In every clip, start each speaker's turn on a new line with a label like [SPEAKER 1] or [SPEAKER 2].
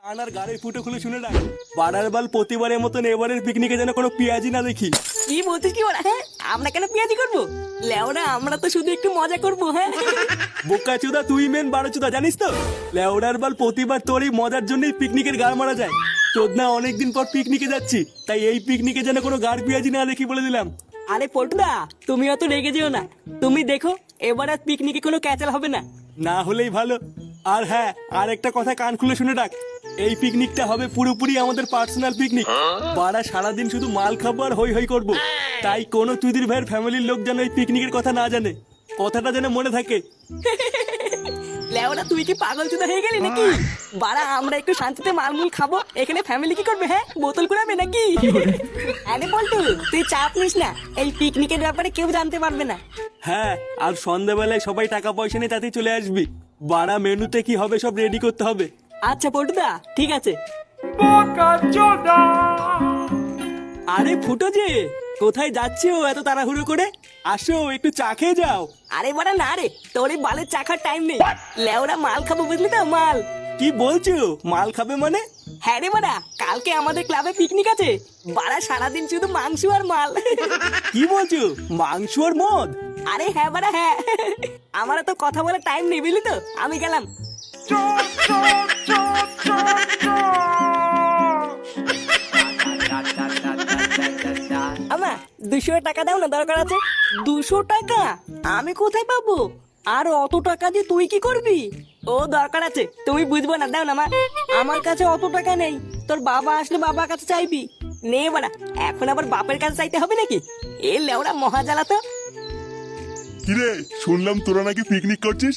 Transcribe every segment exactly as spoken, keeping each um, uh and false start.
[SPEAKER 1] আনার গাড়ির ফুটো খুলে শুনে রাখ, বাড়ার বাল প্রতিবারের মতন এবারের পিকনিকে যেন কোনো পেঁয়াজি না দেখি।
[SPEAKER 2] কি বলছিস কি ওরা? হ্যাঁ, আমরা কেন পেঁয়াজি করবো? লেওরা আমরা তো শুধু একটু মজা করবো। হ্যাঁ
[SPEAKER 1] বোকা চুদা, তুই মেন বারো চুদা, জানিস তো লেওড়ার বাল প্রতিবার তোর এই মজার জন্যই পিকনিকের গাড় মারা যায়। চোদনা অনেকদিন পর পিকনিকে যাচ্ছি, তাই এই পিকনিকে যেন কোনো গাড় পেঁয়াজি না দেখি বলে দিলাম।
[SPEAKER 2] আরে পল্টুদা, তুমি অত রেগে যেও না। তুমি দেখো এবার আর পিকনিকে কোনো ক্যাচাল হবে না।
[SPEAKER 1] না হলেই ভালো। আর হ্যাঁ, আর একটা কথা কান খুলে শুনে রাখ, এই পিকনিকটা হবে পুরোপুরি আমাদের পার্সোনাল পিকনিক। বাড়া সারাদিন শুধু মাল খাবো আর হই হই করবো, তাই কোনো তুইদের ভাইয়ের ফ্যামিলির লোক যেন এই পিকনিকের কথা না জানে, কথাটা যেন মনে থাকে।
[SPEAKER 2] লেওরা তুই কি পাগল চুদা হয়ে গেলি নাকি? বাড়া আমরা একটু শান্তিতে মালমুল খাবো, এখানে ফ্যামিলি কি করবে? হ্যাঁ, বোতল কুড়াবে নাকি? আরে পল্টু, তুই চাপ নিস না, এই পিকনিকের ব্যাপারে কেউ জানতে পারবে না।
[SPEAKER 1] হ্যাঁ, আর সন্ধ্যাবেলায় সবাই টাকা পয়সা নিয়ে তাতেই চলে আসবি। বাড়া মেনুতে কি হবে সব রেডি করতে হবে।
[SPEAKER 2] আচ্ছা পল্টুদা, ঠিক আছে।
[SPEAKER 1] আরে ফুটো যে, কোথায় যাচ্ছো এত তাড়াহুড়ো করে? আসো একটু চা খেয়ে যাও।
[SPEAKER 2] আরে বাড়া না রে, তোর এই বালের চাখার টাইম নেই। লেওরা মাল খাবো, বুঝলি তো? মাল।
[SPEAKER 1] কি বলছো? মাল খাবে মানে?
[SPEAKER 2] হ্যাঁ রে বাড়া, কালকে আমাদের ক্লাবে পিকনিক আছে। বাড়া সারাদিন শুধু মাংস আর মাল।
[SPEAKER 1] কি বলছো? মাংস আর মদ?
[SPEAKER 2] আরে হ্যাঁ বাড়া হ্যাঁ, আমার তো কথা বলার টাইম নেই, বুঝলি তো? আমি গেলাম। আমা দুশো টাকা দাও না, দরকার আছে। দুশো টাকা আমি কোথায় পাবো? আর অত টাকা দিয়ে তুই কি করবি? ও দরকার আছে, তুমি বুঝবো না, দাও না মা। আমার কাছে অত টাকা নেই, তোর বাবা আসলে বাবার কাছে চাইবি। নে বাড়া, এখন আবার বাপের কাছে চাইতে হবে নাকি? এ লেওড়া মহাজালা তো।
[SPEAKER 3] কিরে, শুনলাম তোরা নাকি পিকনিক করছিস?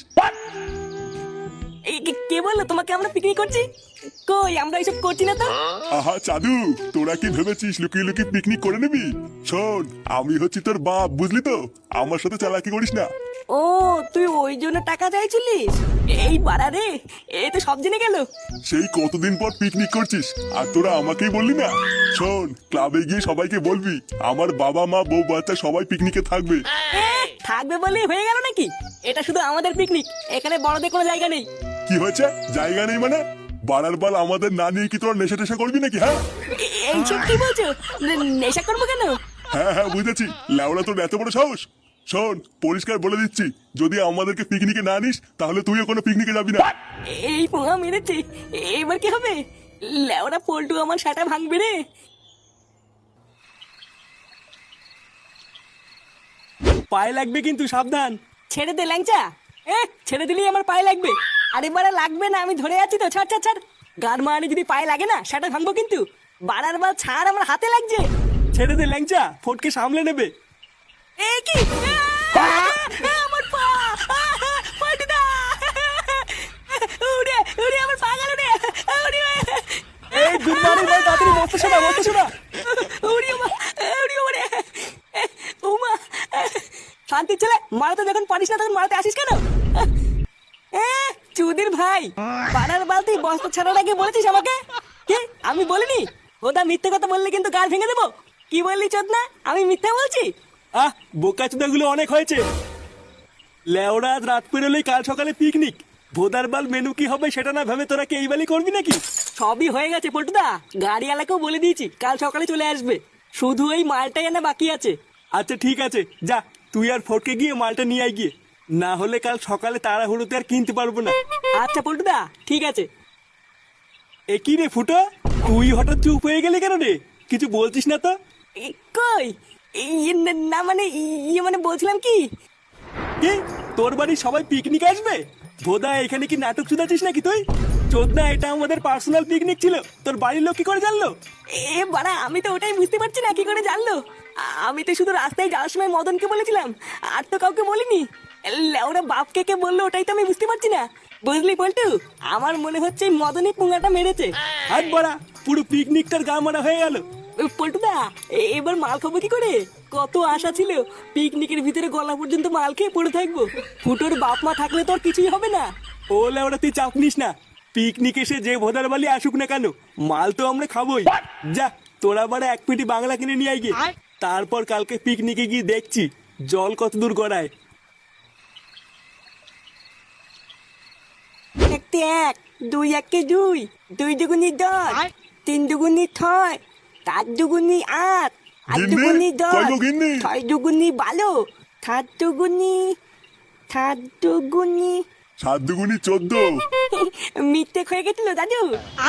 [SPEAKER 2] এই কে- কে বললো তোমাকে আমরা পিকনিক করছি? কই, আমরা এইসব করছি না তো।
[SPEAKER 3] আহা চাদু, তোরা কি ভেবেছিস লুকিয়ে লুকিয়ে পিকনিক করে নিবি? শোন, আমি হচ্ছি তোর বাপ, বুঝলি তো? আমার সাথে চালাকি করিস না।
[SPEAKER 2] ও, তুই ওই জন্য টাকা চাইছিলিস? এই বাড়া রে, এ তো সব জেনে গেল।
[SPEAKER 3] সেই কতদিন পর পিকনিক করছিস আর তোরা আমাকেই বললি না? শোন, ক্লাবে গিয়ে সবাইকে বলবি আমার বাবা মা বউ বাচ্চা সবাই পিকনিকে থাকবে।
[SPEAKER 2] এ, থাকবে বলে হয়ে গেল নাকি? এটা শুধু আমাদের পিকনিক, এখানে বড়দের কোনো জায়গা নেই।
[SPEAKER 3] কি হয়েছে? জায়গা নেই মানে? বাড়ার বাল আমাদের না নিয়ে কি তোরা নেশা টেশা করবি নাকি? হ্যাঁ
[SPEAKER 2] এ- এইসব কি বলছো? নে- নেশা করবো কেন?
[SPEAKER 3] হ্যাঁ হ্যাঁ বুঝেছি, লেওড়া তোর এত বড় সাহস। শোন, পরিষ্কার বলে দিচ্ছি, যদি আমাদেরকে পিকনিকে না নিস তাহলে তুইও কোনো পিকনিকে যাবি না।
[SPEAKER 2] এই পোঙা মেরেছে, এবার কি হবে? লেওরা পল্টু আমার সাটা ভাঙবে রে।
[SPEAKER 1] পায়ে লাগবে কিন্তু, সাবধান।
[SPEAKER 2] ছেড়ে দে ল্যাংচা। এ, ছেড়ে দিলেই আমার পায়ে লাগবে। আরে বাড়া লাগবে না, আমি ধরে আছি তো। ছাড় ছাড় ছাড়, গান মারানি যদি পায়ে লাগে না, সেটা ভাঙবো কিন্তু। বাড়ার বার ছাড়, আমার হাতে লাগছে।
[SPEAKER 1] ছেড়ে দে ল্যাংচা, ফটকে সামলে নেবে।
[SPEAKER 2] এ কি? আ, আ, আমার পা! আ, পল্টুদা! উড়ে, উড়ে আমার পা গেল রে। উড়ে,
[SPEAKER 1] এই গুড মর্নিং ভাই, তাড়াতাড়ি বসতে শোনা, বসতে শোনা।
[SPEAKER 2] উড়ি ওমা, উড়ি ওরে। ওমা, শান্তির ছেলে, মারাতে যখন পারিস না তখন মারাতে আসিস কেন? এ, চুদির ভাই, পাড়ার বালতি বস্তা ছাড়ার আগে বলেছিস আমাকে? কি আমি বলিনি? ওটা মিথ্যে কথা বললে কিন্তু গাল ভেঙে দেবো। কি বললি চোদনা? আমি মিথ্যে বলছি?
[SPEAKER 1] আহ, বোকা চুদাগুলো অনেক হয়েছে। লেওড়া আজ রাত পেরোলেই কাল সকালে পিকনিক। ভোদার বাল মেনু কি হবে সেটা না ভেবে তোরা কি এই বালি করবি নাকি?
[SPEAKER 2] সবই হয়ে গেছে পল্টুদা, গাড়িওয়ালাকেও বলে দিয়েছি কাল সকালে চলে আসবে। শুধু এই মালটাই আনা বাকি আছে।
[SPEAKER 1] আচ্ছা ঠিক আছে, যা তুই আর ফটকে গিয়ে মালটা নিয়ে আয় গিয়ে, না হলে কাল সকালে তাড়াহুড়োতে আর কিনতে পারবো না।
[SPEAKER 2] আচ্ছা পল্টুদা, ঠিক আছে।
[SPEAKER 1] এ কি রে ফুটো, তুই হঠাৎ চুপ হয়ে গেলি কেন রে? কিছু বলছিস না তো?
[SPEAKER 2] এই, কই? ইয়ে, না- না মানে, ইয়ে মানে বলছিলাম কি,
[SPEAKER 1] কি, তোর বাড়ির সবাই পিকনিক আসবে? ভোদা এখানে কি নাটক শুধাচ্ছিস নাকি তুই? চোদনা, এটা আমাদের পার্সোনাল পিকনিক ছিল, তোর বাড়ির লোক কি করে জানলো?
[SPEAKER 2] এ বাড়া আমি তো ওটাই বুঝতে পারছি না, কি করে জানলো? আ- আমি তো শুধু রাস্তায় যাওয়ার সময় মদনকে বলেছিলাম, আর তো কাউকে বলিনি। ওরা বাপকে কে বললো ওটাই তো আমি বুঝতে পারছি না। বুঝলি পল্টু, আমার মনে হচ্ছে এই মদনই পুঙ্গাটা মেরেছে।
[SPEAKER 1] হাত বাড়া, পুরো পিকনিকটার গা মারা হয়ে গেল।
[SPEAKER 2] পল্টুদা, এ- এবার মাল খাবো কি করে? কত আশা ছিল পিকনিকের ভিতরে গলা পর্যন্ত মাল খেয়ে পড়ে থাকবো। ফুটোর বাপ মা থাকলে তো আর কিছুই হবে না।
[SPEAKER 1] ও লেওড়া, তুই চাপ নিস না। পিকনিক এসে যে ভোদার বালি আসুক না কেন, মাল তো আমরা খাবোই। যা, তোরা বাড়া এক পেটি বাংলা কিনে নিয়ে আয় গিয়ে। তারপর কালকে পিকনিকে গিয়ে দেখছি জল কত দূর গড়ায়।
[SPEAKER 2] একটি এক, দুই একে দুই। দুই দুগুনি দশ, তিন দুগুনি ছয়, চার দুগুনি আট, আট
[SPEAKER 3] গিন্নি,
[SPEAKER 2] দুগুনি দশ,
[SPEAKER 3] কই গো গিন্নি?
[SPEAKER 2] ছয় দুগুনি বারো, সাত দুগুনি সাত দুগুনি
[SPEAKER 3] সাত দুগুনি চোদ্দ।
[SPEAKER 2] মিথ্যে হয়ে গেছিল দাদু।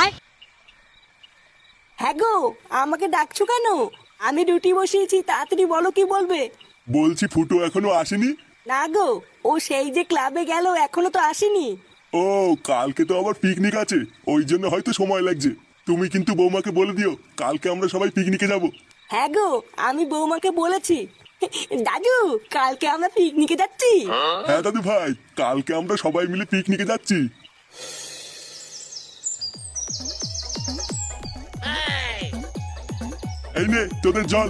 [SPEAKER 2] হ্যাঁ গো, আমাকে ডাকছো কেন? আমি রুটি বসিয়েছি, তাড়াতাড়ি বলো কি বলবে।
[SPEAKER 3] বলছি ফুটো এখনো আসেনি?
[SPEAKER 2] না গো, ও সেই যে ক্লাবে গেল, এখনো তো আসেনি।
[SPEAKER 3] ও কালকে তো আবার পিকনিক আছে, ওই জন্য হয়তো সময় লাগছে। তুমি কিন্তু বৌমাকে বলে দিও কালকে আমরা সবাই পিকনিকে যাব।
[SPEAKER 2] হ্যাঁ গো, আমি বৌমাকে বলেছি। দাদু, কালকে আমরা পিকনিকে যাচ্ছি।
[SPEAKER 3] হ্যাঁ দাদু ভাই, কালকে আমরা সবাই মিলে পিকনিকে যাচ্ছি। এই নে তোদের জল।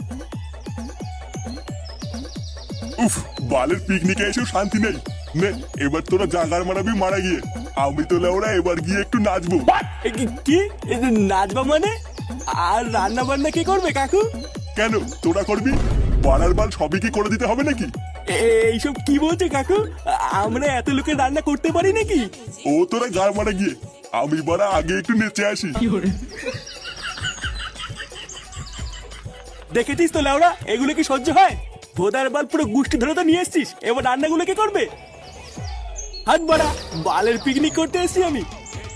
[SPEAKER 3] উফ, বালের পিকনিকে এসেও শান্তি নেই। নে এবার তোরা জাগার মারাবি মারা গিয়ে, আমি তো ওরা এবার গিয়ে একটু নাচবো।
[SPEAKER 1] এ কি- কি এ নাচবা মানে? আর রান্না বান্না কে করবে কাকু?
[SPEAKER 3] কেন তোরা করবি? বাড়ার বাল সবই কি করে দিতে হবে নাকি?
[SPEAKER 1] এ- এইসব কি বলছে কাকু? আমরা এত লোকের রান্না করতে পারি নাকি?
[SPEAKER 3] ও তোরা গাড় মারা গিয়ে, আমি বাড়া আগে একটু নেচে আসি।
[SPEAKER 1] দেখেছিস তো লেওড়া, এগুলো কি সহ্য হয়? ভোদার বাল পুরো গুষ্টি ধরে তো নিয়ে এসছিস, এবার রান্নাগুলো কে করবে? হাত বাড়া, বালের পিকনিক করতে এসছি আমি।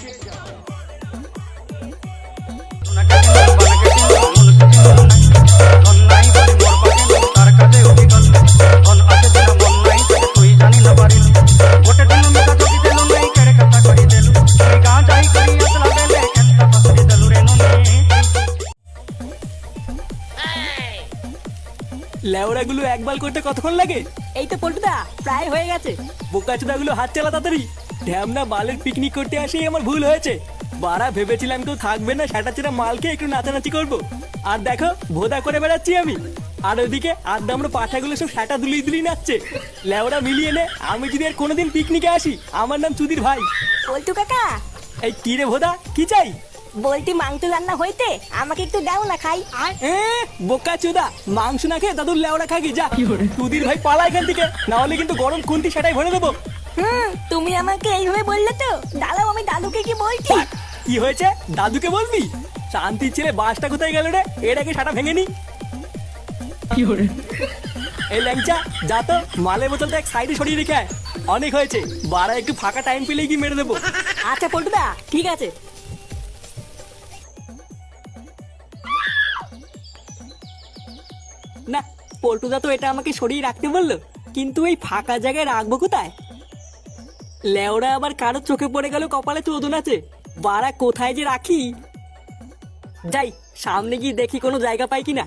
[SPEAKER 1] লেওড়াগুলো একবার করতে কতক্ষণ লাগে?
[SPEAKER 2] এই তো পল্টুদা, প্রায় হয়ে গেছে।
[SPEAKER 1] বোকাচোদাগুলো হাত চালা তাড়াতাড়ি। ঢ্যামনা বালের পিকনিক করতে আসেই আমার ভুল হয়েছে। বাড়া ভেবেছিলাম কেউ থাকবে না, সেটা মালকে একটু নাচানাচি করবো, আর দেখো ভোদা করে বেড়াচ্ছি আমি। আর ওইদিকে আড্ডা আমরা পাঠাগুলো সব সেটা দুলিয়ে দুলিয়ে নাচছে। লেওড়া মিলিয়ে নে, আমি যদি আর কোনোদিন পিকনিকে আসি, আমার নাম চুদির ভাই।
[SPEAKER 2] পল্টু কাকা,
[SPEAKER 1] এই কি রে ভোদা, কি চাই?
[SPEAKER 2] বলটি মাংস রান্না হইতে, আমাকে একটু দাও না খাই।
[SPEAKER 1] এ বোকা চোদা, মাংস না খেয়ে দাদুর লেওড়া খাগি যা। চুদির ভাই পালা এখান থেকে, না হলে কিন্তু গরম খুন্তি সেটাই ভরে দেবো।
[SPEAKER 2] হুম, তুমি আমাকে এইভাবে বললে তো, দাঁড়াও আমি দাদুকে কি বলছি।
[SPEAKER 1] কি হয়েছে? দাদুকে বলবি? শান্তির ছেলে বাসটা কোথায় গেল রে? এটাকে সাটা ভেঙে নি। এই ল্যাংচা, যা তো মালের বোতলটা এক সাইডে সরিয়ে রেখে আয়। অনেক হয়েছে, বাড়া একটু ফাঁকা টাইম পেলেই কি মেরে দেবো।
[SPEAKER 2] আচ্ছা পল্টুদা, ঠিক আছে।
[SPEAKER 1] না, পল্টুদা তো এটা আমাকে সরিয়ে রাখতে বললো, কিন্তু এই ফাঁকা জায়গায় রাখবো কোথায়? লেওড়া আবার কারোর চোখে পড়ে গেল কপালে চোদন আছে, বাড়া কোথায় যে রাখি। যাই সামনে গিয়ে দেখি কোনো জায়গা পাই কিনা।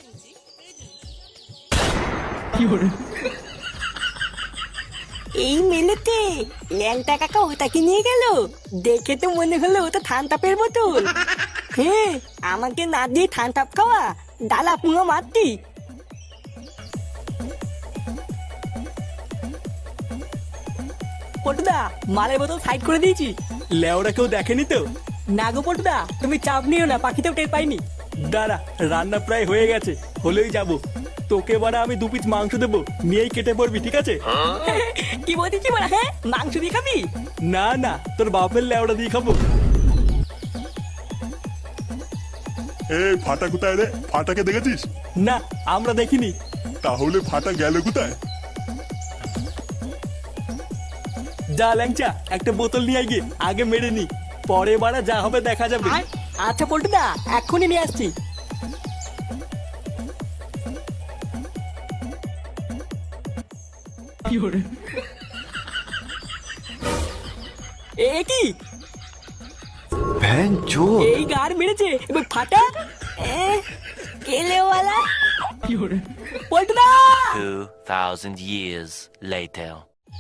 [SPEAKER 2] এই মেলেতে ল্যাংটা কাকা ওটাকে নিয়ে গেল, দেখে তো মনে হলো ওটা থানতাপের বোতল। হ্যাঁ, আমাকে না দিয়ে থানতাপ খাওয়া, ডালা পুঙো মারতি।
[SPEAKER 1] পটুদা, মালের বোতল সাইড করে দিয়েছি। লেওরা কেউ দেখেনি তো? না গো পটুদা, তুমি চাপ নিও না, পাখিতেও টের পাইনি। দাঁড়া, রান্না প্রায় হয়ে গেছে, হলেই যাবো। তোকে বারা আমি দু পিস মাংস দেবো, নিয়েই কেটে পড়বি, ঠিক আছে?
[SPEAKER 2] কি বলছি বলা? হ্যাঁ, মাংস দিয়ে খাবি?
[SPEAKER 1] না না, তোর বাপের লেওড়া দিয়ে খাবো।
[SPEAKER 3] এ ফাটা কোথায় রে? ফাটাকে দেখেছিস?
[SPEAKER 1] না, আমরা দেখিনি।
[SPEAKER 3] তাহলে ফাটা গেল কোথায়?
[SPEAKER 1] যা ল্যাংচা, একটা বোতল নিয়ে আয় গিয়ে, আগে মেরে নি, পরে বারা যা হবে দেখা যাবে।
[SPEAKER 2] আচ্ছা পল্টুদা, এক্ষুনি নিয়ে আসছি।
[SPEAKER 1] এ কি?
[SPEAKER 4] ভ্যানচো
[SPEAKER 1] এই গার মেরেছে এবার ফাটা।
[SPEAKER 2] এ, কেলেওয়ালা।
[SPEAKER 1] পল্টুদা!
[SPEAKER 4] two thousand years later.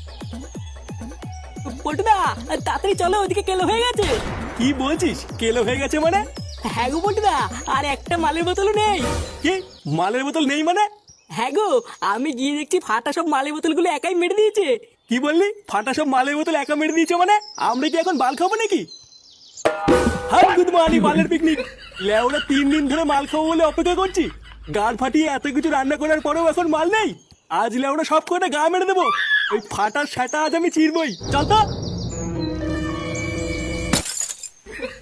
[SPEAKER 1] পল্টুদা, তাড়াতাড়ি চলো, ওদিকে কেলো হয়ে গেছে। কি বলছিস? কেলো হয়ে গেছে মানে? হ্যাঁ গো পল্টুদা, আর একটা মালের বোতলও নেই। কি মালের বোতল নেই মানে? হ্যাঁ গো, আমি গিয়ে দেখছি ফাটা সব মালের বোতলগুলো একাই মেরে দিয়েছে। কি বললি? ফাটা সব মালের বোতল একা মেরে দিয়েছে মানে? আমরা কি এখন বাল খাবো নাকি? হাই গুড মর্নিং, বালের পিকনিক। লেওরা তিন দিন ধরে মাল খাবো বলে অপেক্ষা করছি, গান ফাটিয়ে এত কিছু রান্না করার পরেও এখন মাল নেই। আজ লেওরা সব কটা গা মেরে দেবো। ওই ফাটার সাটা আজ আমি চিরবই। চল তো।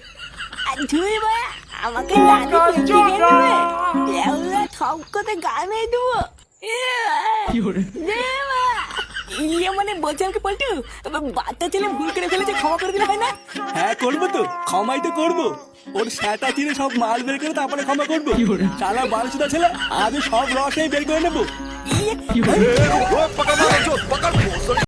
[SPEAKER 2] ধুই বা আমাকে দাদি পেঁচিয়ে দেবে লেউলা ঠকতে গানে দেবো ইয়ে মানে বলছি আমাকে পল্টু বাচ্চা ছেলে ভুল করে ফেলেছে ক্ষমা করে দিলে হয় না?
[SPEAKER 1] হ্যাঁ করবো তো, ক্ষমাই তো করবো। ওর স্যাটা চিনে সব মাল বের করে তারপরে ক্ষমা করবো। সারা বারোশোটা ছেলে আজ সব রসই বের করে নেবো।
[SPEAKER 2] ইয়ে